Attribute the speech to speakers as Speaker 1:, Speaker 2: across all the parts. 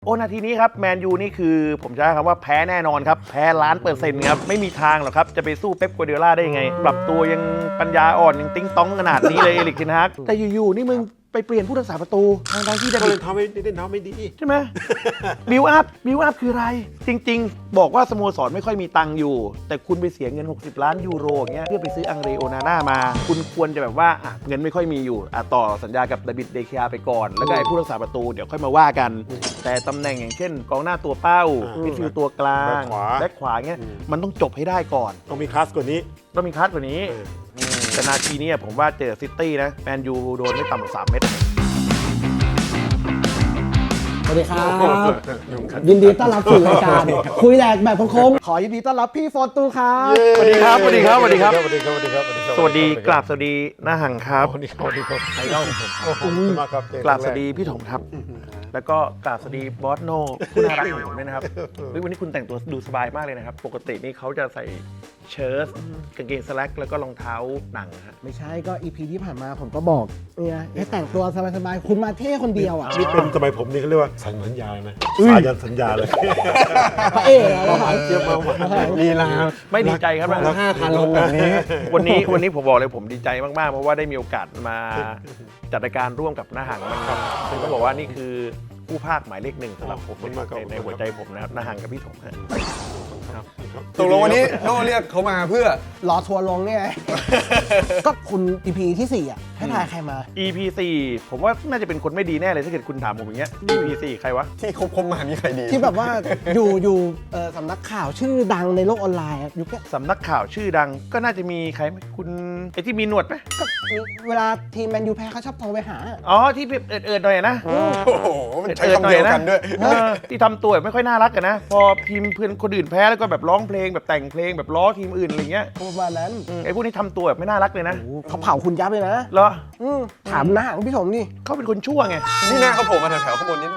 Speaker 1: โอ้นาทีนี้ครับแมนยูนี่คือผมจะใช้คำว่าแพ้แน่นอนครับแพ้1,000,000%ครับไม่มีทางหรอกครับจะไปสู้เป๊ป กัวร์ดิโอลาได้ยังไงปรับตัวยังปัญญาอ่อนยังติ้งต้องขนาดนี้เลยเอริก เทนฮากแต่อยู่ๆนี่มึงไปเปลี่ยนผู้รักษาประตูทางที่เดวิด
Speaker 2: ทำไม่ดี
Speaker 1: ใช่ไหมบิวอัพคืออะไรจริงๆบอกว่าสโมสรไม่ค่อยมีตังค์อยู่แต่คุณไปเสียเงิน60 ล้านยูโรอย่างเงี้ยเพื่อไปซื้ออังเรโอนาน่ามาคุณควรจะแบบว่าเงินไม่ค่อยมีอยู่ต่อสัญญากับเดวิดเดเคอาไปก่อนแล้วก็ไอ้ผู้รักษาประตูเดี๋ยวค่อยมาว่ากันแต่ตำแหน่งอย่างเช่นกองหน้าตัวเป้ามิดฟิลด์ตัวกลางแบ็คขวาเงี้ยมันต้องจบให้ได้ก่อน
Speaker 2: ต้องมีคลาสกว่านี้
Speaker 1: ต้องมีคัสกว่านี้แต่นาทีนี้ผมว่าเจอซิตี้นะแมนยูโดนไม่ต่ำกว่า3 เม็ด
Speaker 3: สวัสดีครับยินดีต้อนรับสู่รายการคุยแหลกแบบคมๆขอยินดีต้อนรับพี่ฟอร์ตูครับ
Speaker 1: สวัสดีครับสวัสดีครับสวัสดีครับ
Speaker 2: สวัสดีครับสวัสดีครับ
Speaker 1: สวัสดีกราบสวัสดีหน้าหังครับ
Speaker 2: สวัสดีครับไอดอลผมขอบคุณมากครับ
Speaker 1: กราบสวัสดีพี่ถมครับแล้วก็กราบสวัสดีบอสโน่ผู้น่ารักของผมด้วยนะครับวันนี้คุณแต่งตัวดูสบายมากเลยนะครับปกตินี่เขาจะใส่เชิ้ตกางเกงสแล็กแล้วก็รองเท้าหนังฮะ
Speaker 3: ไม่ใช่ก็ EP ที่ผ่านมาผมก็บอกเนี่ยให้แต่งตัวสบายๆคุณมาเท่คนเดียวอ่ะ
Speaker 2: นี่เป็นสมัยผมนี่เขาเรียกว่าสัญญานะสายันสัญญาเลย
Speaker 3: พระเอกแล้ว
Speaker 2: หวานเจี๊ยบมาก
Speaker 3: ลีลา
Speaker 1: ไม่ดีใจครับ
Speaker 3: 5,000 ลงแบบนี้
Speaker 1: วันนี้ผมบอกเลยผมดีใจมากๆเพราะว่าได้มีโอกาสมาจัดรายการร่วมกับหน้าหังนะครับซึ่งก็บอกว่านี่คือผู้ภาคหมายเลข1สำหรับผมในหัวใจผมนะครับหน้าหังกับพี่ถมครับ
Speaker 4: ตกลงวันนี้โน่เรียกเขามาเพื่อ
Speaker 3: รอทัวร์ลงเนี่ยก็คุณ EP ที่4อ่ะให้ทายใครมา
Speaker 1: EP 4ผมว่าน่าจะเป็นคนไม่ดีแน่เลยถ้าเกิดคุณถามผมอย่างเงี้ย EP 4ใครวะ
Speaker 4: ที่คบมามีใครดี
Speaker 3: ที่แบบว่าอยู่สำนักข่าวชื่อดังในโลกออนไลน์ยุคนี้
Speaker 1: สำนักข่าวชื่อดังก็น่าจะมีใครไหมคุณไอที่มีหนวดไหม
Speaker 3: ก็เวลาทีมแมนยูแพ้เขาชอบโทรไปหา
Speaker 1: อ๋อที่เอิดหน่อยนะ
Speaker 4: โอ้โหมันใช้คำเดียวกันด้วย
Speaker 1: ที่ทำตัวไม่ค่อยน่ารักกันนะพอทีมเพื่อนคนอื่นแพ้แล้วก็แบบร้องเพลงแบบแต่งเพลงแบบล้อทีมอื่นอะไรเงี้ย
Speaker 3: ประมาณนั้น
Speaker 1: ไอ้พวกนี้ทำตัวแบบไม่น่ารักเลยนะ
Speaker 3: เขาเผาคุณยับเลยนะ
Speaker 1: เหรอ
Speaker 3: ถามหน้าของพี่สมนี่
Speaker 1: เขาเป็นคนชั่วไง
Speaker 4: นี่หน้าเขาโผล่มาแถวๆข้างบนนี้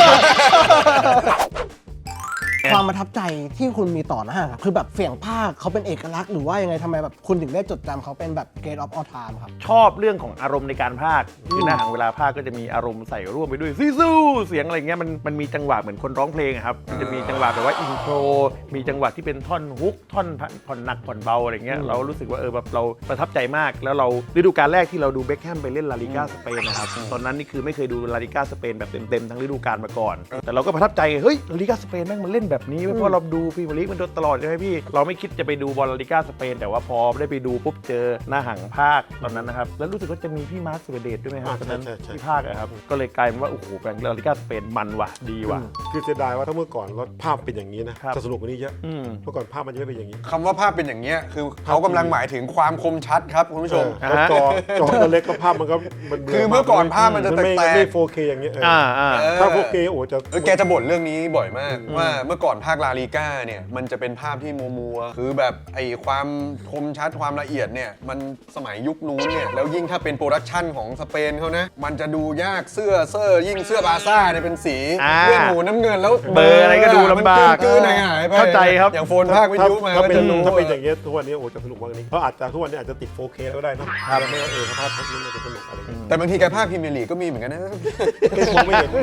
Speaker 3: ความประทับใจที่คุณมีต่อหน้าครับคือแบบเสียงภาคเขาเป็นเอกลักษณ์หรือว่ายังไงทำไมแบบคุณถึงได้จดจำเขาเป็นแบบ Great of All Time ครับ
Speaker 1: ชอบเรื่องของอารมณ์ในการพากย์คือหน้าหังเวลาพากย์ก็จะมีอารมณ์ใส่ร่วมไปด้วยสู้เสียงอะไรเงี้ยมันมีจังหวะเหมือนคนร้องเพลงครับมันจะมีจังหวะแบบว่าอินโทรมีจังหวะที่เป็นท่อนฮุกท่อนผ่อนหนักผ่อนเบาอะไรเงี้ยเรารู้สึกว่าแบบเราประทับใจมากแล้วเราฤดูกาลแรกที่เราดูเบ็คแฮมไปเล่นลาลิก้าสเปนนะครับตอนนั้นนี่คือไม่เคยดูลาลิก้าสเปนแบบเต็มทั้งฤดูกาลมาก่อนแต่เราก็ประทับใจเฮ้ยลาลิก้าสเปนแม่งมันเล่นแบบนี้เพราะเราดูพรีเมียร์ลีกมันโดนตลอดใช่ไหมพี่เราไม่คิดจะไปดูบอลลาลิก้าสเปนแต่ว่าพอได้ไปดูปุ๊บเจอหน้าหังภาคตอนนั้นนะครับแล้วรู้สึกว่าจะมีพี่มาร์ค สุรเดชด้วยไหมครับตอนนั้นที่ภาคครับก็เลยกลายเป็นว่าโอ้โหแบงลาลิก้าสเปนมันว่ะดีว่ะ
Speaker 2: คือเสียดายว่าถ้าเมื่อก่อนรถภาพเป็นอย่างนี้นะจะสนุกกว่านี้เยอะเมื่อก่อนภาพมันจะไม่เป็นอย่างนี้
Speaker 4: คำว่าภาพเป็นอย่างเงี้ยคือเขากำลังหมายถึงความคมชัดครับคุณผู้ชม
Speaker 2: จอตัวเล็กก็ภาพมันก็
Speaker 4: คือเมื่อก่อนภาพมันจะแตก
Speaker 2: ไม่ 4K อย่างเงี้ยถ้า 4K โอ้จะ
Speaker 4: แกจะบ่นเรื่องนี้บ่อยมากว่าเมื่อก่อนภาคลาลิก้าเนี่ยมันจะเป็นภาพที่มัวคือแบบไอ้ความคมชัดความละเอียดเนี่ยมันสมัยยุคนู้นเนี่ยแล้วยิ่งถ้าเป็นโปรดักชันของสเปนเขานะมันจะดูยากเสื้อยิ่งเสื้อบาซ่าเนี่ยเป็นสีเลือดหมูน้ำเงินแล้ว
Speaker 1: เบอร์อะไรก็ดูลำบาก
Speaker 4: หายไป
Speaker 1: เข้าใจครับ
Speaker 4: อย่างโฟนภาควิทยุมา
Speaker 2: ถ้าเป็นอย่างเงี้ยทุกวันนี้โอ้จะสนุกมากนี้เพราะอาจจะทุกวันนี้อาจจะติด 4K แล้วก็ได้นะไม่ว่าภาพนี้มันจะสนุกอะไร
Speaker 4: แต่บางทีแกภาคพรีเมียร์ลีกก็มีเหมือนกันนะ
Speaker 2: ไม่เห็น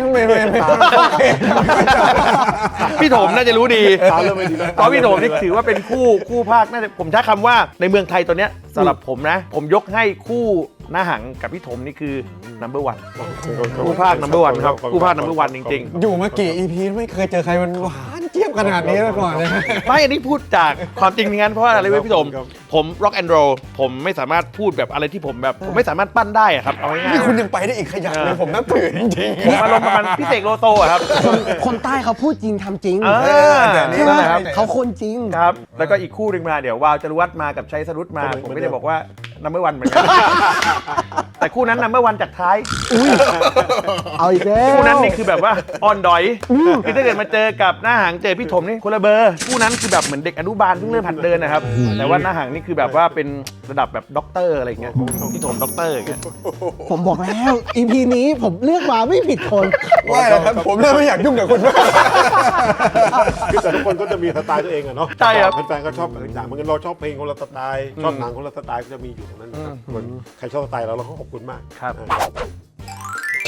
Speaker 1: พี่โถมน่าจะรู้ดีเพราะพี่โถมนี่ถือว่าเป็นคู่ภาคน่าจะผมใช้คำว่าในเมืองไทยตอนเนี้ยสำหรับผมนะผมยกให้คู่หน้าหังกับพี่ถมนี่คือ number 1คู่ภาค number 1ครับคู่ภาค number 1จริงๆ
Speaker 4: อยู่มากี่ EP ไม่เคยเจอใครมันหวานเจี๊ยบขนาดนี้มาก่อนเลย
Speaker 1: ไม่อันนี้พูดจากความจริงงั้นเพราะว่าอะไรเว้ยพี่ถมผม rock and roll ผมไม่สามารถพูดแบบอะไรที่ผมแบบผมไม่สามารถปั้นได้ครับเอาง่ายๆ
Speaker 4: นี่คุณยังไปได้อีกขยันเลยผมนับถือจริง
Speaker 1: ๆผมอารมณ์ประมาณพี่เสกโลโซครับ
Speaker 3: คนใต้เขาพูดจริงทำจริง
Speaker 4: แต่นี่
Speaker 3: นะครับเขาคนจริง
Speaker 1: ครับแล้วก็อีกคู่หนึ่งมาเดี๋ยววาวจรุวัฒน์มากับชัยสรุตมาผมไม่ได้บอกว่าnumber 1เหมือนกันแต่คู่นั้นnumber 1จากท้าย
Speaker 3: เอาอีกแล้ว
Speaker 1: คู่นั้นนี่คือแบบว่าอ่อนดอยคือถ้าเกิดมาเจอกับหน้าหางเจอพี่ถมนี่คนละเบอร์คู่นั้นคือแบบเหมือนเด็กอนุบาลเพิ่งเริ่มหัดเดินนะครับแต่ว่าหน้าหางนี่คือแบบว่าเป็นระดับแบบด็อกเตอร์อะไรเงี้ยพี่ถมด็อกเตอร์อย่างเงี้ย
Speaker 3: ผมบอกแล้ว EP นี้ผมเลือกมาไม่ผิดคน
Speaker 4: ว่าครับผมเริ่มไม่อยากยุ่งกับคุณ
Speaker 2: คือแต่ทุกคนก็จะมีสไตล์ตัวเองอะเนาะ
Speaker 1: ใช่ครับ
Speaker 2: แฟนๆก็ชอบต่างๆเหมือนกันเราชอบเพลงคนละสไตล์ชอบหนังคนละสไตล์ก็จะมีอยู่ตรงนั้นนะครับใครชอบสไตล์เราก็ขอบคุณมาก
Speaker 1: ครับ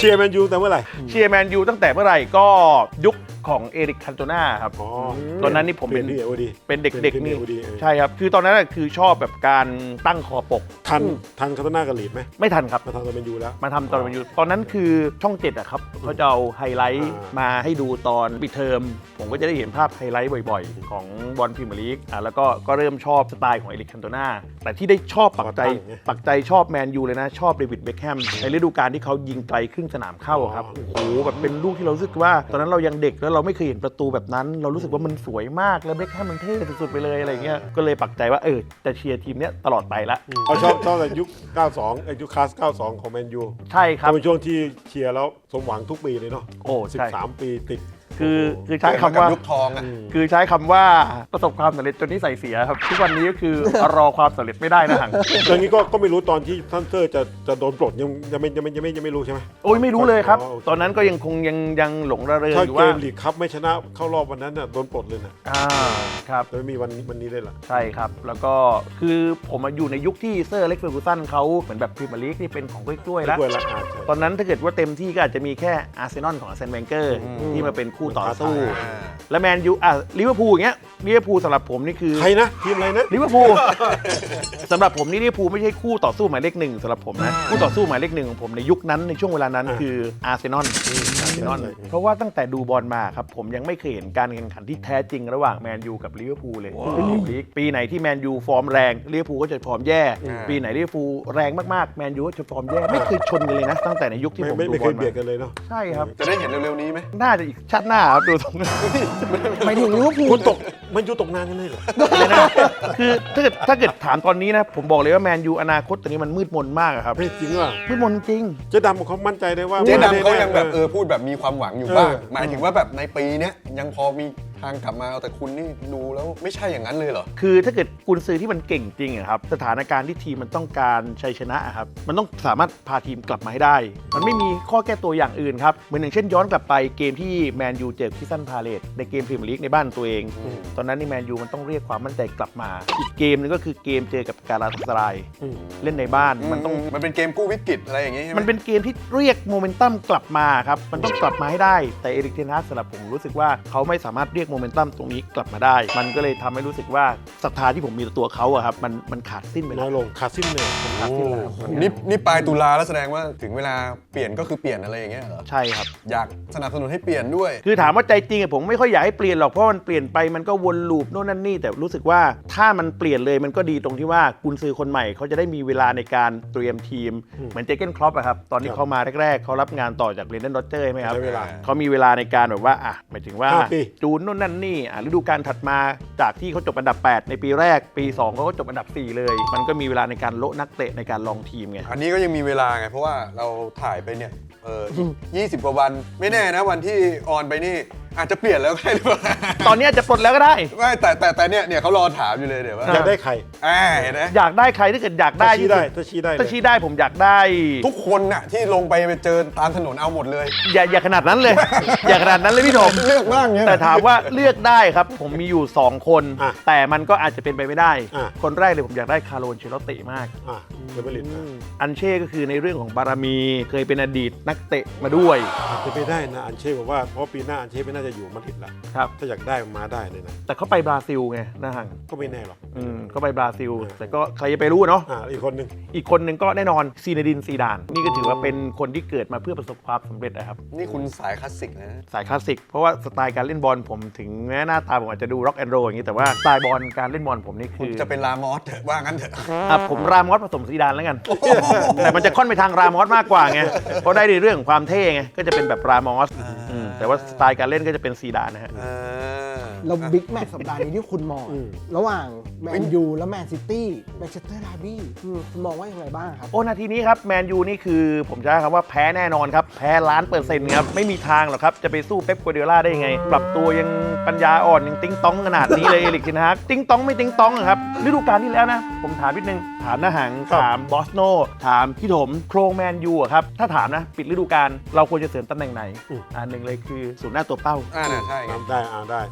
Speaker 2: ชียร์แมนยูแต่เมื่อไหร่
Speaker 1: เชียร์แมนยูตั้งแต่เมื่อไหร่ก็ยุคของเอริกคันโตนาครับ
Speaker 2: อ๋อ
Speaker 1: ตอนนั้นนี่ผม
Speaker 2: เป็
Speaker 1: เป็น น
Speaker 2: ที่เอวดี
Speaker 1: เป็นเด็กๆนี่
Speaker 2: เอวดี
Speaker 1: ใช่ครับ คือตอนนั้นน่ะคือชอบแบบการตั้งคอปก
Speaker 2: ทันคาตาน่ากับลีดไหม
Speaker 1: ไม่ทันครับ
Speaker 2: มาทำตัวแมนยูแล้ว
Speaker 1: มาทำตอนมันอยู่ตอนนั้นคือช่อง7อะครับเขาจะเอาไฮไลท์มาให้ดูตอนปิดเทอม ผมก็จะได้เห็นภาพไฮไลท์บ่อยๆ ของบอลพรีเมียร์ลีกแล้วก็เริ่มชอบสไตล์ของเอริกคันโตนาแต่ที่ได้ชอบปักใจชอบแมนยูเลยนะ ชอบเดวิดเบ็คแฮมในฤดูกาลที่เขายิงไกลครึ่งสนามเข้าครับโอ้โหแบบเป็นลูกที่เรารู้สึกว่า ตอนนั้นเรายังเด็กแล้วเราไม่เคยเห็นประตูแบบนั้น เรารู้สึกว่ามันสวยมากแล้วเบ็คแฮมมันเท่สุดๆไปเลยอะไรเงี้ยก็เลยปักใจว่าจะเชียร์ทีมเนี้ยตลอดไปละ
Speaker 2: เขาชอบแต่ยุค 92 ไอ้ยุคคลาส 92 ของแมนยู
Speaker 1: ใช่ครับ
Speaker 2: เป็นช่วงที่เชียร์แล้วสมหวังทุกปีเลยเนาะ
Speaker 1: โอ้ใช่
Speaker 2: 13 ปีติด
Speaker 1: คือใช้คำว่า
Speaker 4: ยุคทองอะ
Speaker 1: คือใช้คำว่าประสบความสำเร็จจนนิสัยเสียครับทุกวันนี้ก็คือ รอความสำเร็จไม่ได้นะหัง
Speaker 2: อย่างนี้ก็ไม่รู้ตอนที่ท่านเซอร์จะโดนปลดยังไม่รู้ใช่ไหม
Speaker 1: โอ้ยไม่รู้เลยครับ
Speaker 2: อ๋อโอเค
Speaker 1: ตอนนั้นก็ยังหลงระเริง
Speaker 2: ถ้า
Speaker 1: อยู่
Speaker 2: เก
Speaker 1: ว่าม
Speaker 2: ลีกคัพไม่ชนะเข้ารอบวันนั้นน่ะโดนปลดเลยนะ
Speaker 1: ครับ
Speaker 2: แต่ไม่มีวันนี้เลยล่ะ
Speaker 1: ใช่ครับ แล้วก็คือผมมาอยู่ในยุคที่เซอร์อเล็กซ์เฟอร์กูสันเขาเหมือนแบบพรีเมียร์ลีกที่เป็นของกล้วยๆแล้ว
Speaker 2: ด้วยละใช่
Speaker 1: ตอนนั้นถ้าเกิดว่าเต็มที่ก็อาจจะมีแค่อาร์เซนอลของอาร์เซนแวนเกอร์ที่มาเป็นคู่ต่อสู้ และแมนยูลิเวอร์พูลอย่างเงี้ยลิเวอร์พูลสำหรับผมนี่คือ
Speaker 2: ใครนะทีมอะไรนะ
Speaker 1: ลิเวอร์พูล สำหรับผมนี่ลิเวอร์พูลไม่ใช่คู่ต่อสู้หมายเลขหนึ่งสำหรับผมนะคู่ต่อสู้หมายเลขหนึ่งของผมในยุคนั้นในช่วงเวลานั้นคืออาร์เซนอลเพราะว่าตั้งแต่ดูบอลมาครับผมยังไม่เคยเห็นการแข่งขันที่แท้จริงระหว่างแมนยูกับลิเวอร์พูลเลยในพรีเมียร์ลีกปีไหนที่แมนยูฟอร์มแรงลิเวอร์พูลก็จะฟอร์มแย่ปีไหนลิเวอร์พูลแรงมากๆแมนยูก็จะฟอร์มแย่ไม่เคยชนกันเลยนะตั้งแต่ในยุคที่ผม
Speaker 2: ไม่
Speaker 1: ดู
Speaker 2: ไม่
Speaker 1: บ
Speaker 2: เค
Speaker 1: อล
Speaker 2: ยเบียด
Speaker 1: มา
Speaker 2: กันเลยเนาะ
Speaker 1: ใช่ครับ
Speaker 4: จะได้เห็นเร็วๆนี้ไหม
Speaker 1: น่าจะอีกชาติหน้าครับดูตรง
Speaker 3: หมายถึงลิเวอร์พู
Speaker 2: คุ
Speaker 3: ล
Speaker 2: ณตกแมนยูตกนานกันเลยเหรอ
Speaker 1: เลยนะคือถ้าเกิดถามตอนนี้นะผมบอกเลยว่าแมนยูอนาคตตอนนี้มันมืดมนมากอะครับ
Speaker 2: เฮ้ยจริงว่ะ
Speaker 1: มืดมนจริง
Speaker 2: เจ๊ดำเขามั่นใจได้ว่า
Speaker 4: เจ๊ดำเขา
Speaker 2: ไม่
Speaker 4: ยัง
Speaker 2: ได้
Speaker 4: แบบพูดแบบมีความหวังอยู่บ้าง
Speaker 2: เออ
Speaker 4: หมายถึงว่าแบบในปีเนี้ยยังพอมีทางกลับมาเอาแต่คุณนี่ดูแล้วไม่ใช่อย่างนั้นเลยเหรอ
Speaker 1: คือถ้าเกิดกุนซือที่มันเก่งจริงอะครับสถานการณ์ที่ทีมมันต้องการชัยชนะอะครับมันต้องสามารถพาทีมกลับมาให้ได้ มันไม่มีข้อแก้ตัวอย่างอื่นครับเหมือนอย่างเช่นย้อนกลับไปเกมที่แมนยูเจอคิสซันพาเลตในเกมพรีเมียร์ลีกในบ้านตัวเอง ตอนนั้นนี่แมนยูมันต้องเรียกความมั่นใจกลับมา อีกเกมนึงก็คือเกมเจอกับการาตาสรายเล่นในบ้านมันต้อง
Speaker 4: มันเป็นเกมกู้วิกฤตอะไรอย่างงี้ใช่ไหม
Speaker 1: มันเป็นเกมที่เรียกโมเมนตัมกลับมาครับ มันต้องกลับมาให้ได้ แต่เอริกเทนฮากสำหรับผมรู้สึกว่าเขาไม่สามารถเรียกโมเมนตัมตรงนี้กลับมาได้ มันก็เลยทำให้รู้สึกว่าศรัทธาที่ผมมีต่อตัวเขาอะครับ มันขาดสิ้นไป
Speaker 2: น้
Speaker 1: แล้
Speaker 2: อ
Speaker 1: วย
Speaker 2: ลงขาดสิ้นเลย
Speaker 1: ขาดสิ้นแล้ว
Speaker 4: นี่ปลายตุลาแล้วแสดงว่าถึงเวลาเปลี่ยนก็คือเปลี่ยนอะไรอย่างเงี้ยเหรอ
Speaker 1: ใช่ครับ
Speaker 4: อยากสนับสนุนให้เปลี่ยนด้วย
Speaker 1: คือถามว่าใจจริงอะผมไม่ค่อยอยากให้เปลี่ยนหรอก เพราะมันเปลี่ยนไปมันก็วนลูปโน่นนั่นนี่ แต่รู้สึกว่าถ้ามันเปลี่ยนเลยมันก็ดีตรงที่ว่ากุนซือคนใหม่เขาจะได้มีเวลาในการเตรียมทีม เหมือนเจเกนครอปอะครับ ตอนที่เขามาแรกๆเขารับงานต่อจากเรนเดนโรเจอร์ใช่ไหมครับ
Speaker 2: ใช้เวลา
Speaker 1: เขามีเวลาในการแบบว่าหมายถึงว่า
Speaker 2: 5 ปี
Speaker 1: จูนโน่นนั่นนี่ฤดูกาลถัดมาจากที่เขาจบอันดับ 8 ในปีแรก ปี 2เขาก็จบอันดับ 4 เลย มันก็มีเวลาในการโละนักเตะในการลองทีมไง
Speaker 4: อันนี้ก็ยังมีเวลาไง เพราะว่าเราถ่ายไปเนี่ย20 กว่าวัน ไม่แน่นะวันที่ออนไปนี่อาจจะเปลี่ยนแล้วก็ได้หรือเปล่า
Speaker 1: ตอนนี้อาจจะปลดแล้วก็ได้
Speaker 4: ไม่แต่เนี่ยเขารอถามอยู่เลยเดี๋ยวว่า
Speaker 2: อยากได้ใคร
Speaker 4: เห็นไหม
Speaker 1: อยากได้ใครถ้าเกิดอยากได้
Speaker 2: ถ้าชี้ได้ถ้าชี้ได้เลย
Speaker 1: ถ้าชี้ได้ผมอยากได้
Speaker 4: ทุกคนน่ะที่ลงไปเจอตามถนนเอาหมดเลย
Speaker 1: อย่าขนาดนั้นเลย อย่าขนาดนั้นเลยพี่ถม
Speaker 4: เลือกบ้างเงี้ย
Speaker 1: แต่ถามว่าเลือกได้ครับ ผมมีอยู่ 2 คน
Speaker 2: อ่ะ
Speaker 1: แต่มันก็อาจจะเป็นไปไม่ได้
Speaker 2: อ่ะ
Speaker 1: คนแรกเลยผมอยากได้คาร์โล อันเชลอตติมาก
Speaker 2: เดวิด
Speaker 1: อันเช่ก็คือในเรื่องของบารมีเคยเป็นอดีตนักเตะมาด้วย
Speaker 2: อาจจะไปได้นะอันเช่บอกว่าเพราะปีหน้าอันเช่ไม่น่าจะอยู่มาดริดละ
Speaker 1: ครับ
Speaker 2: ถ้าอยากได้มาได้เลยนะ
Speaker 1: แต่เขาไปบราซิลไงนะฮัง
Speaker 2: ก็ไม่แน่หรอก
Speaker 1: เขาไปบราซิล แต่ก็ใครจะไปรู้เนาะ
Speaker 2: อีกคนหนึ่ง
Speaker 1: อีกคนหนึ่งก็แน่นอนซีเนดินซีดาน นี่ก็ถือว่าเป็นคนที่เกิดมาเพื่อประสบความสำเร็จนะครับ
Speaker 4: นี่คุณสายคลาสสิกนะ
Speaker 1: สายคลาสสิก เพราะว่าสไตล์การเล่นบอลผมถึงแม้หน้าตาผมอาจจะดูร็อกแอนด์โรอย่างนี้แต่ว่าสไตล์บอลการเล่นบอลผมนี่
Speaker 4: คุ
Speaker 1: คื
Speaker 4: ณ
Speaker 1: อ
Speaker 4: จะเป็นลามอสเถอะว่างั้นเถอะ
Speaker 1: ผมรามอสผสมซีดานแล้วกัน แต่มันจะค่อนไปทางรามอสมากกว่าไง เพราะได้ในเรื่องของความเท่ไง ก็จะเป็นแบบรามอสแต่ว่าสไตล์การเล่นก็จะเป็นซีดานนะฮะ
Speaker 3: แล้วบิ๊กแมตช์สัปดาห์นี้ที่คุณมองระหว่างแมนยูและแมนซิตี้แมนเชสเตอร์ดาร์บี้คุณมองว่ายังไงบ้างครับ
Speaker 1: โอ้นาทีนี้ครับแมนยูนี่คือผมจะใช้คำว่าแพ้แน่นอนครับ แพ้1,000,000%ครับ ไม่มีทางหรอกครับ จะไปสู้เป๊ปกัวร์ดิโอลาได้ยังไง ปรับตัวยังปัญญาอ่อนยังติ้งต้องขนาดนี้เลยเอริกเทนฮากติ้งต้องไม่ติ้งต้องอะครับฤดูกาลที่แล้วนะ ผมถามนิดนึงถามนะหังถามบอสโนถามพี่ถมโครงแมนยูอะครับถ้าถามนะปิดฤดูกาลเราควรจะเสริมตำแหน่งไหนหนึ่งเลยคือศูนย์หน้าตัวเป้า
Speaker 4: ใช่ไง
Speaker 2: ได้ได้
Speaker 1: ส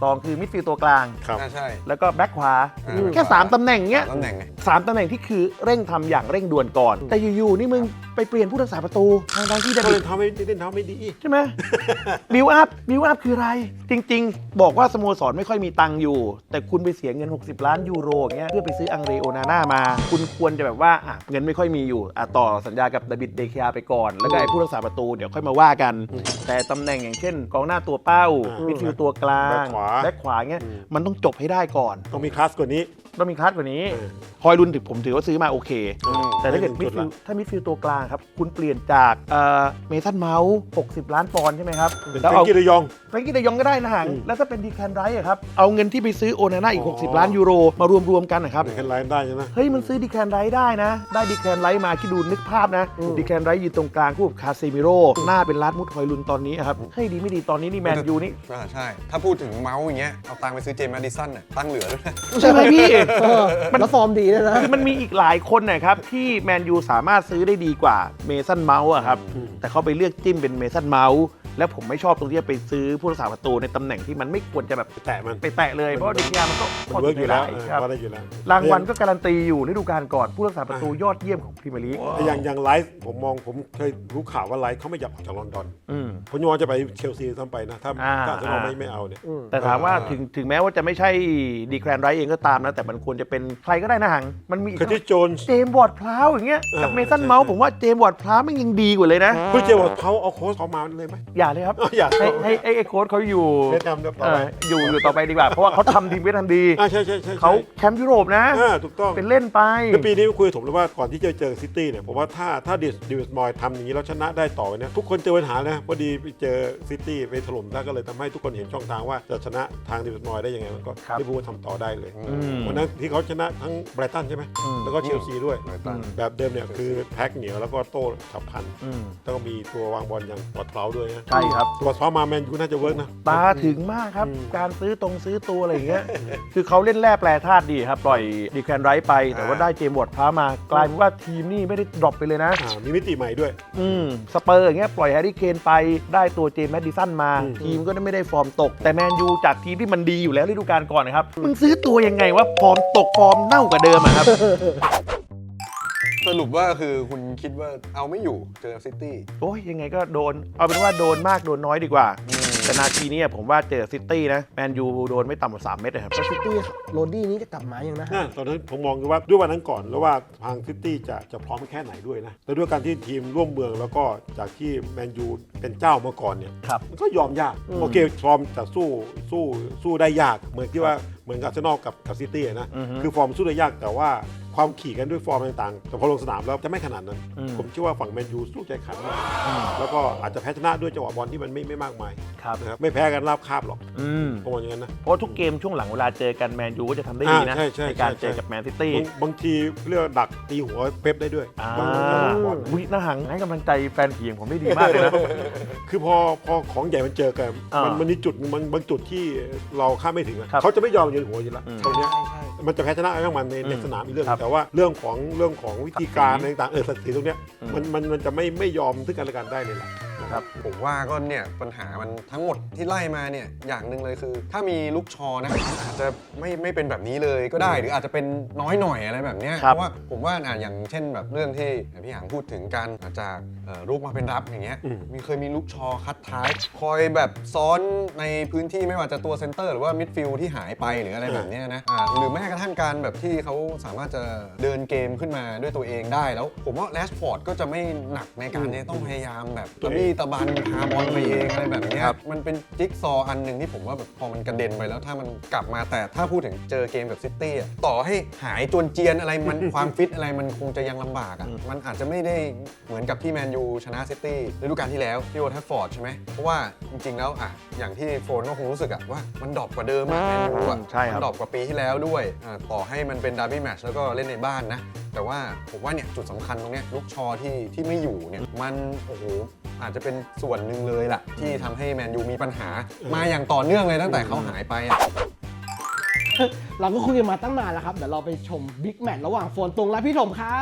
Speaker 1: 2คือมิดฟิลด์ตัวกลาง
Speaker 2: ครับ
Speaker 4: ใช่
Speaker 1: แล้วก็แบ็คขวา
Speaker 4: อืม
Speaker 1: แค่ 3 ตำแหน่งเนี้ย
Speaker 4: ตำแหน่งไง
Speaker 1: 3 ตำแหน่งที่คือเร่งทำอย่างเร่งด่วนก่อน แต่อยู่ๆนี่มึงไปเปลี่ยนผู้รักษาประตูทางที่จะ
Speaker 2: ก็เล่นเท้าไม่ดี
Speaker 1: ใช่ไหม บิวอัพคืออะไร จริงๆ บอกว่าสโมสรไม่ค่อยมีตังค์อยู่ แต่คุณไปเสียเงิน60 ล้านยูโรอย่างเงี้ยเพื่อไปซื้ออังเรโอนาน่ามา คุณควรจะแบบว่าเงินไม่ค่อยมีอยู่ต่อสัญญากับดาบิดเดเคอาไปก่อน แล้วก็ไอ้ผู้รักษาประตูเดี๋ยวค่อยมาว่ากัน แต่ตำแหน่งอย่างเช่นกองหน้าตัวเป้ามิดฟิลด์ตัวกลางแบ็คขวาเงี้ยมันต้องจบให้ได้ก่อน
Speaker 2: ต้องมีคลาสกว่านี้
Speaker 1: ต้องมีคลาสกว่านี้
Speaker 2: เออ
Speaker 1: ฮอยลุนผมถือว่าซื้อมาโอเค แต่ถ้าเกิด
Speaker 2: ได้
Speaker 1: มิ
Speaker 2: หนึ่
Speaker 1: ด
Speaker 2: ง
Speaker 1: ฟิ
Speaker 2: จุดละ
Speaker 1: ลด์ถ้ามิดฟิลด์ตัวกลางครับ คุณเปลี่ยนจากเมสันเมาส์60 ล้านปอนด์ใช่ไหมครับ
Speaker 2: เป็น
Speaker 1: แล้ว
Speaker 2: แฟรง
Speaker 1: เอา
Speaker 2: กี้เดยอง
Speaker 1: แฟรงกี้เดยองก็ได้นะฮะ
Speaker 2: อืม
Speaker 1: แล้วถ้าเป็นดีแคนไรท์อะครับ เอาเงินที่ไปซื้อโอนาน่าอีก
Speaker 2: อ๋อ
Speaker 1: 60 ล้านยูโรมารวมๆกันนะครับ
Speaker 2: เป็นแค่ไลน์ได้ใช่ไหม
Speaker 1: เฮ้ย มันซื้อดีแคนไรท์ได้นะ ได้ดีแคนไรท์มาคิดดูนึกภาพนะดีแคนไรท์ยืนตรงกลางคู่กับคาเซมิโร่หน้าเป็นลาดมุดฮอยลุนตอนนี้อะครับเฮ้ยดีไม่ดีตอนนี้นี่แมนยูนี่
Speaker 4: ใช่ ถ้าพูดถึงเมาส์อย่างเงี้ย เอาตังค์ไปซื้อเจมส์แมดิสันน่ะตั้งเหลือด้วยนะ
Speaker 1: ใช่ไหมพี่
Speaker 3: แล้วฟอร์มดีด้วยนะ
Speaker 1: คือมันมีอีกหลายคนนะครับที่แมนยูสามารถซื้อได้ดีกว่าเมสันเมาส์อะครับแต่เขาไปเลือกจิ้มเป็นเมสันเมาส์แล้วผมไม่ชอบตรงที่จะไปซื้อผู้รักษาประตูในตำแหน่งที่มันไม่ควรจะแบบ
Speaker 2: แตะมัน
Speaker 1: ไปแตะเลยเพราะว่าดิยามันก็
Speaker 2: มันเวิร์กอยู่แล้ว
Speaker 1: ครับ
Speaker 2: ว่าได้อยู่แล้ว
Speaker 1: รางวัลก็การันตีอยู่ฤดูกาลก่อนผู้รักษาประตูยอดเยี่ยมของพรีเมียร์ลีก
Speaker 2: แต่อย่างไลฟ์ผมเคยรู้ข่าวว่าไลฟ์เขาไม่อยากออกจากลอนดอน
Speaker 1: อืม
Speaker 2: ผมยอมจะไปเชลซีซ้ำไปนะ ถ้า
Speaker 1: อ่า
Speaker 2: อาร์เซนอลไม่เอาเนี่ย
Speaker 1: แต่ถามว่าถึงแม้ว่าจะไม่ใช่ดีแคลนไรท์เองก็ตามนะ แต่มันควรจะเป็นใครก็ได้นะหัง มันมีอีก
Speaker 2: เคอร์ติสโจนส์
Speaker 1: เจมส์วอร์ดพลาวอย่างเงี้ยกับ
Speaker 2: อ่า
Speaker 1: เมสัน
Speaker 2: ใช่
Speaker 1: เมาส์
Speaker 2: ใช่
Speaker 1: ผมว่าเจมส์วอร์ดพลาวมันยังดีกว่าเลยนะ
Speaker 2: คุณเจบอกเขาเอาโค้ชเขามาเลยไหม
Speaker 1: อย่าเลยครับ
Speaker 2: อย่า
Speaker 1: ให้โค้ชเขาอยู่
Speaker 2: แนะนำเดี๋ยวต่อไป
Speaker 1: อยู่ต่อไปดีกว่า เพราะว่าเขาทำทีมไว้ทันดี
Speaker 2: ใช่
Speaker 1: เขาแชมป์ยุโรปนะ
Speaker 2: ถูกต้อง
Speaker 1: เป็นเล่นไป
Speaker 2: แล้วปีนี้คุยกับผมเลยว่าก่อนที่จะเจอซิตี้เนี่ยผมว่าถ้าดิวส์มอยทำอย่างนี้แล้วชนะได้ต่อเนี่ยทุกคนเจอปัญหานะพอดีไปเจอซิตี้ไปถล่มได้ก็เลยทำให้ทุกคนเห็นช่องทางว่าจะชนะทางดิวส์มอยได้ยังไงมันก็
Speaker 1: ครับ
Speaker 2: ลิเวอร์พูลทำต่อได้เลย
Speaker 1: ม
Speaker 2: วันนั้นที่เขาชนะทั้งไบรตันใช่ไหมแล้วก็เชลซีด้วย แบบเดิมเนี่ยคือแพ็คเหนียวแล้วก็โต้ฉับพลัน
Speaker 1: อืม
Speaker 2: แล้วก็มีตัววางบอลอย่างปลอดเปล่าด้วยนะ
Speaker 1: ใช่ครับ
Speaker 2: ปลอดเปล่ามาแมนยูน่าจะเวิร์กนะ
Speaker 1: ตาถึงมากครับ การซื้อตัวอะไรอย่างเงี้ย คือเขาเล่นแร่แปรธาตุดีครับ ปล่อยดีแคนไรท์ไป แต่ว่าได้เจมส์วอร์ดพลาวมากลายเป็นว่าทีมนี่ไม่ได้ดรอปไปเลยนะ
Speaker 2: มีมิติใหม่ด้วย
Speaker 1: สเปอร์อย่างเงี้ยปล่อยแฮร์รี่เคนไปได้ตัวเจมส์แมดดิสันมา ทีมก็ไม่ได้ฟอร์มตก แต่แมนยูจากทีมที่มันดีอยู่แล้วฤดูกาลก่อนนะครับ มึงซื้อตัวยังไงว่าฟอร์มตกฟอร์มเน่ากว่าเดิมอะครับ
Speaker 4: สรุปว่าคือคุณคิดว่าเอาไม่อยู่เจอซิตี้
Speaker 1: โอ้ยยังไงก็โดน เอาเป็นว่าโดนมากโดนน้อยดีกว่า แต่นาทีนี้ผมว่าเจอซิตี้นะแมนยูโดนไม่ต่ำกว่า3 เม็ดนะครับ
Speaker 3: ซิตี้โรดดี้นี้จะกลับมายังนะ
Speaker 2: ตอนนั้นผมมองดูว่าด้วยวันนั้นก่อนแล้วว่าทางซิตี้จะพร้อมแค่ไหนด้วยนะแล้วด้วยการที่ทีมร่วมเมืองแล้วก็จากที่แมนยูเป็นเจ้ามาก่อนเนี่ย
Speaker 1: ครับ
Speaker 2: มันก็ยอมยากโอเคฟอร์มจะสู้ได้ยากเหมือนที่ว่าเหมือนกับอาร์เซนอลกับซิตี้นะคือฟอร์มสู้ได้ยากแต่ว่าความขี่กันด้วยฟอร์มต่างๆแต่พอลงสนามแล้วจะไม่ขนาดนั้น ผมเชื่อว่าฝั่งแมนยูสู้ใจขันมากแล้วก็อาจจะแพ้ชนะด้วยจังหวะบอลที่มันไม่มากมาย
Speaker 1: ครับ
Speaker 2: นะครับไม่แพ้กันราบคาบหรอก
Speaker 1: อืม
Speaker 2: ผมว่าอย่างนั้นนะ
Speaker 1: เพราะทุกเกมช่วงหลังเวลาเจอกันแมนยูก็จะทำได้ดีนะ
Speaker 2: ใช่
Speaker 1: ในการ
Speaker 2: ใช่
Speaker 1: เจอกับแมนซิตี้
Speaker 2: บางทีเรียกว่าดักตีหัวเป๊ปได้ด้วยบางจังหวะบอล
Speaker 1: วิน่าหังให้กำลังใจแฟนผีของผมได้ดีมากเลยนะ
Speaker 2: คือพอของใหญ่มันเจอกัน
Speaker 1: อ่ามั
Speaker 2: มันมีจุดมันบางจุดที่เราคาดไม่ถึงอะ
Speaker 1: ครับ
Speaker 2: เขาจะไม่ยอมยืนหัวอยู่แล้ว
Speaker 1: อืม
Speaker 2: ตรงเนี้ย
Speaker 3: ใช่
Speaker 2: มันจะแพ้ชนะอะไรของมันใน
Speaker 1: อืม
Speaker 2: สนามอีกเรื่อง
Speaker 1: ครับ
Speaker 2: แต่ว่าเรื่องของวิธีการอะไรต่างๆศักดิ์ศรีตรงเนี้ย
Speaker 1: อืม
Speaker 2: มันจะไม่ยอมซึ่งกันและกันได้เลยล่ะ
Speaker 1: ครับ
Speaker 4: ผมว่าก็เนี่ยปัญหามันทั้งหมดที่ไล่มาเนี่ยอย่างหนึ่งเลยคือ ถ้ามีลูกชอนะอาจจะไม่เป็นแบบนี้เลยก็ได้ หรืออาจจะเป็นน้อยหน่อยอะไรแบบเนี้ย
Speaker 1: ครั
Speaker 4: เพ
Speaker 1: บ
Speaker 4: ราะว่าผมว่าอย่างเช่นแบบเรื่องที่พี่หางพูดถึงกันจากลูกมาเป็นรับอย่างเงี้ย
Speaker 2: อืม
Speaker 4: เคยมีลูกชอคัดท้าย คอยแบบซ้อนในพื้นที่ไม่ว่าจะตัวเซนเตอร์หรือว่ามิดฟิลด์ที่หายไปหรืออะไรแบบเนี้ยนะหรือแม้กระทั่งการแบบที่เขาสามารถจะเดินเกมขึ้นมาด้วยตัวเองได้แล้ว ผมว่าแรชฟอร์ดก็จะไม่หนักในการที่ต้องพยายามแบบตะบี้ตะบันพาบอลไปเองอะไรแบบเนี้ยมันเป็นจิ๊กซอว์อันหนึ่งที่ผมว่าแบบพอมันกระเด็นไปแล้วถ้ามันกลับมาแต่ถ้าพูดถึงเจอเกมกับซิตี้อะต่อให้หายจวนเจียนอะไรมัน ความฟิตอะไรมันคงจะยังลำบากอ่ะมันอาจจะไม่ได้เหมือนกับที่แมนยูชนะซิตี้ฤดูกาลที่แล้วที่โอลด์แทรฟฟอร์ดใช่ไหมเพราะว่าจริงๆแล้วอ่ะอย่างที่โฟนก็คงรู้สึกอ่ะว่ามันดรอปกว่าเดิมอะแมนยูอ่ะ
Speaker 1: ใช่ครับ
Speaker 4: มันดรอปกว่าปีที่แล้วด้วยต่อให้มันเป็นดาร์บี้แมตช์แล้วก็เล่นในบ้านนะแต่ว่าผมว่าเนี่ยจุดสำคัญตรงเนี้ยลูกชอที่ไม่อยู่เนี่ยมันโอ้โหอาจจะเป็นส่วนหนึ่งเลยล่ะที่ทำให้แมนยูมีปัญหามาอย่างต่อเนื่องเลยตั้งแต่เขาหายไปอ่ะ
Speaker 3: เราก็คุยกันมาตั้งนานแล้วครับ เดี๋ยวเราไปชมบิ๊กแมตช์ระหว่างโฟนตุงและพี่ถมครับ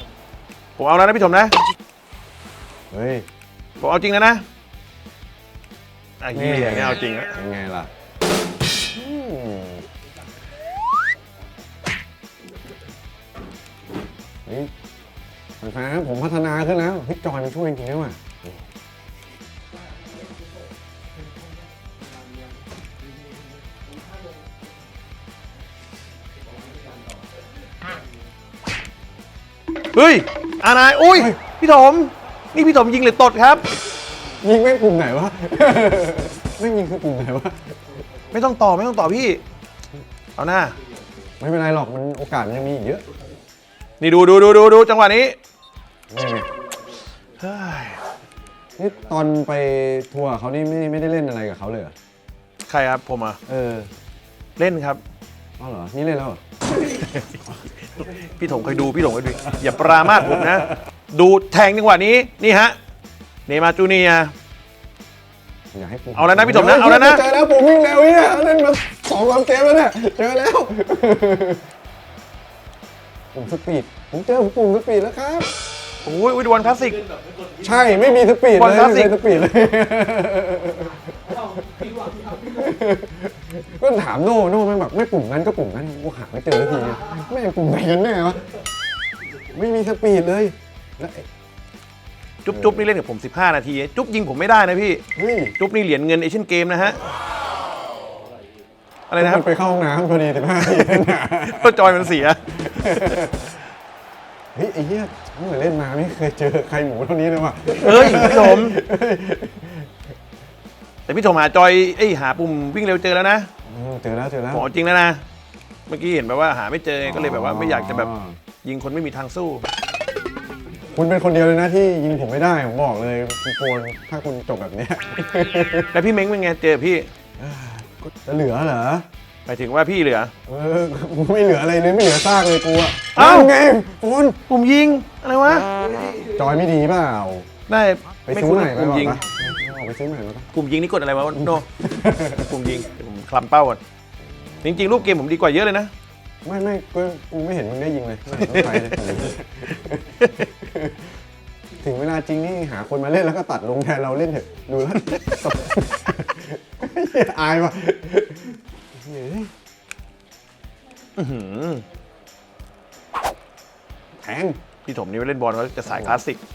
Speaker 1: ผมเอาแล้วนะพี่ถมนะ
Speaker 4: เฮ้ย
Speaker 1: ผมเอาจริงแล้วนะไอ้เหี้ยเนี่ยเอาจริงอะ
Speaker 4: ยังไงล่ะนี่แฟนๆผมพัฒนาขึ้นแล้วพี่จอยมันช่วยจริงๆด้วยว่ะ
Speaker 1: เฮ้ยอานายอุ้ยพี่ถมนี่พี่ถมยิงหรือตดครับ
Speaker 4: ยิงไม่กลุ่มไหนวะ ไม่ยิงคือกลุ่มไหนวะ
Speaker 1: ไม่ต้องต่อพี่เอาหน้า
Speaker 4: ไม่เป็นไรหรอกมันโอกาสมันยังมีอีกเยอะ
Speaker 1: นี่ดูจังหวะนี้
Speaker 4: นี่ไง
Speaker 1: เฮ้ย
Speaker 4: นี่ตอนไปทัวร์เขานี่ไม่ได้เล่นอะไรกับเขาเลยเหรอ
Speaker 1: ใครครับผมอ่ะ
Speaker 4: เออ
Speaker 1: เล่นครับ
Speaker 4: อ๋อเหรอนี่เล่นแล้วเหรอ
Speaker 1: พี่ถมเคยดูอย่าปรามาสผมนะ ดูแทงจังหวะนี้นี่ฮะเนย์มาร์จูเนียร์
Speaker 4: อย่าให้ผม
Speaker 1: เอาแล้วนะพี่ถมนะเอาแล้วนะ
Speaker 4: เจอแล้วผมวิ่งเร็วเนี่ยเล่นมา2-3เกมแล้วเนี่ยเจอแล้วปุ่มสปีดผมเจอปุ่มสปีดแล้วครับ
Speaker 1: โอ้ยดวลคลาสสิก
Speaker 4: ใช่ไม่มีสปีด
Speaker 1: บอล
Speaker 4: เลย
Speaker 1: คลาสสิก
Speaker 4: ไม่มีสปีดเลยก็ถามโน่แม่งแบบไม่ปุ่มนั้นก็ปุ่มนั้นกูหาไม่เจอสักทีแม่งปุ่มไหนกันแน่วะไม่มีสปีดเลยแล้ว
Speaker 1: จุ๊บนี่เล่นกับผม15 นาทีจุ๊บยิงผมไม่ได้นะพี่
Speaker 4: เฮ้ย
Speaker 1: จุ๊บนี่เหรียญเงินเอเชียนเกมนะฮะอะไรนะครับ
Speaker 4: มันไปเข้าห้องน้ำพอดี15 นาที
Speaker 1: ก็จอยมันเสีย
Speaker 4: เฮ้ยไอ้เหี้ยเมื่อเล่นมาไม่เคยเจอใครหมูเท่านี้เลยว่ะ
Speaker 1: เฮ้ยพี่ถมแต่พี่ถมหาจอยหาปุ่มวิ่งเร็วเจอแล้วนะ
Speaker 4: เจอแล้ว
Speaker 1: ขอจริงแล้วนะเมื่อกี้เห็นแบบว่าหาไม่เจอก็เลยแบบว่าไม่อยากจะแบบยิงคนไม่มีทางสู้
Speaker 4: คุณเป็นคนเดียวเลยนะที่ยิงผมไม่ได้ผมบอกเลยคุณโฟนถ้าคุณจบแบบเนี้ย
Speaker 1: แล้วพี่เม้งเป็นไงเจอพี่
Speaker 4: จะเหลือเหรอ
Speaker 1: หมายถึงว่าพี่เหลือ
Speaker 4: ไม่เหลืออะไรเลยไม่เหลือซากเลยกูอะ
Speaker 1: เอ้า
Speaker 4: ไงโฟน
Speaker 1: ปุ่มยิงอะไรวะ
Speaker 4: จอยไม่ดีเปล่า
Speaker 1: ได้
Speaker 4: ไป
Speaker 1: ไม่
Speaker 4: ซื้อ
Speaker 1: คุ้น
Speaker 4: ใหม่ไป
Speaker 1: ปุ่ม
Speaker 4: บอก
Speaker 1: ยิง
Speaker 4: ปะออกไปซื้อใหม่มาปะ
Speaker 1: ปุ่มยิงนี่กดอะไรวะโนปุ่มยิงเดี๋ยวผมคลำเป้าก่อนจริงๆรูปเกมผมดีกว่าเยอะเลยนะ
Speaker 4: ไม่กูไม่เห็นมึงได้ยิงเลยไม่เห็นมึงไปเลยถึงเวลาจริงนี่หาคนมาเล่นแล้วก็ตัดลงแทนเราเล่นเถอะดูแล้ว อายว่ะ แทง
Speaker 1: พี่ถมนี่เล่นบอลเขาจะสายคลาสสิก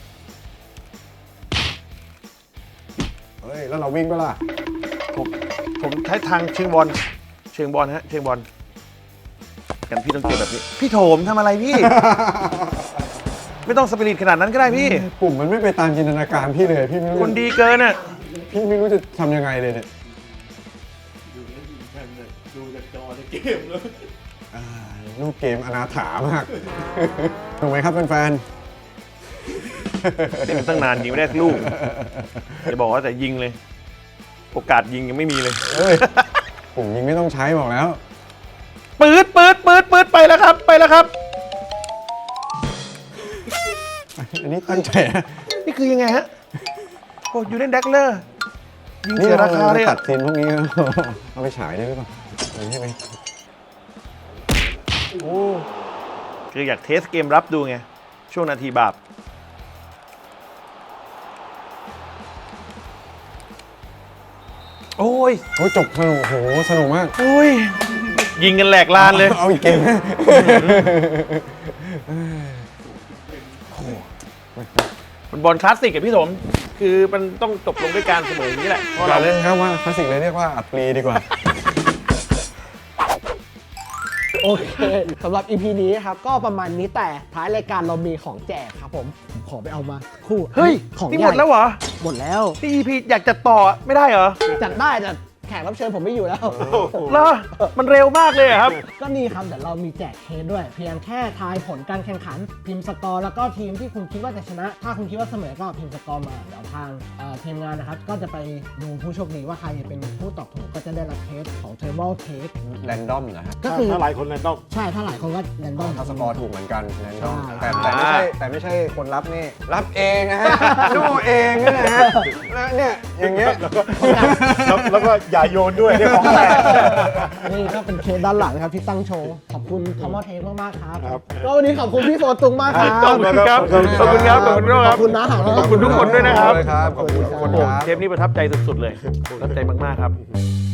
Speaker 4: เฮ้ย แล้วเราวิ่งก็ล่ะ
Speaker 1: ผมใช้ทางเชิงบอลฮะเชิงบอลกันพี่ต้องเจอแบบนี้พี่โถมทำอะไรพี่ ไม่ต้องสปิริตขนาดนั้นก็ได้พี่
Speaker 4: ปุ่มมันไม่ไปตามจินตนาการพี่เลย พี่ไม่รู้
Speaker 1: คนดีเกินอ่ะ
Speaker 4: พี่ไม่รู้จะทำยังไงเลยเนี่ย
Speaker 2: ดูจากจอในเกมแล้ว
Speaker 4: ลูกเกมอนาถามาก ถูกไหมครับแฟน
Speaker 1: เล่นมาตั้งนานยิงไม่ได้สักลูกจะบอกว่าแต่ยิงเลย โอกาสยิงยังไม่มีเลย
Speaker 4: ๆเอ้ย ปุ่มยิงไม่ต้องใช้บอกแล้ว
Speaker 1: ปืดไปแล้วครับ
Speaker 4: อันนี้ตั้งใจนะ
Speaker 1: นี่คือยังไงฮะโอ้ยูเล่นแดกเลอร์ยิง
Speaker 4: นี่
Speaker 1: เสียราคาเลย
Speaker 4: ตั
Speaker 1: อะ
Speaker 4: ดซีนพวกนี้ เอาไปฉายได้หรือเปล่าใช่ไหม
Speaker 1: โอ้คืออยากเทสเกมรับดูไงช่วงนาทีบาปโอ้ย
Speaker 4: โอ้ยจบสนุกโหสนุกมาก
Speaker 1: โอ้ยยิงกันแหลกลานเลย
Speaker 4: เอาอีกเกมไหม
Speaker 1: มันบอลคลาสสิกกับพี่ถมคือมันต้องจบลงด้วยการเสมออย่างนี้แหละเพราะ
Speaker 4: อย่า
Speaker 1: เรา
Speaker 4: เล่นครับว่าคลาสสิกเลยเรียกว่าอัปรีดีกว่า
Speaker 3: โอเคสำหรับ EP นี้ครับก็ประมาณนี้แต่ท้ายรายการเรามีของแจกครับผมขอไปเอามาคู่
Speaker 1: เฮ้ย
Speaker 3: ของ
Speaker 1: นี่
Speaker 3: ให
Speaker 1: หม
Speaker 3: ญ่
Speaker 1: ดแล้วเหรอ
Speaker 3: หมดแล้ว
Speaker 1: นี่ EP อยากจัดต่อไม่ได้เหรอ
Speaker 3: จัดได้แต่แขกรับเชิญผมไม่อยู่แล้ว
Speaker 1: เหรอมันเร็วมากเลยอะครับ
Speaker 3: ก็นี่ครับเดี๋ยวเรามีแจกเคสด้วย เพียงแค่ทายผลการแข่งขันพิมพ์สกอร์แล้วก็ทีมที่คุณคิดว่าจะชนะ ถ้าคุณคิดว่าเสมอก็พิมพ์สกอร์มาเดี๋ยวทางทีมงานนะครับก็จะไปดูผู้โชคดีว่าใครเป็นผู้ตอบถูกก็จะได้รับเคสของ Thermal Cake
Speaker 4: แรนดอมเหรอฮะ
Speaker 3: ก็คือ
Speaker 2: ถ้าหลายคนเลยต้อง
Speaker 3: ใช่ถ้าหลายคนก็แรนดอม
Speaker 4: ถ้าสกอร์ถูกเหมือนกันแรนดอม
Speaker 3: ใช่
Speaker 4: แต่ไม่ใช่คนรับนี่รับเองนะฮะ ดูเองนะฮะแล้วเนี่ยอย่างเงี้ย
Speaker 2: แล้วก็อย่าโยนด้วยได้ของแตก
Speaker 3: นี่ก็เป็นเคสด้านหลังนะครับที่ตั้งโชว์ ขอบคุณทอมอเทคมากๆครับ
Speaker 2: ครับ
Speaker 3: ก็วันนี้ขอบคุณพี่โฟตุงมากครับ
Speaker 1: ขอบคุณครับ ขอบคุณครับ ขอบคุณครับ
Speaker 3: ขอบคุณนะหาง
Speaker 1: ขอบคุณทุกคนด้วยนะครับ
Speaker 4: ขอบคุณทุกคน
Speaker 1: โอ้
Speaker 4: ครับ
Speaker 1: เทปนี้ประทับใจสุดๆเลย ประทับใจมากๆครับ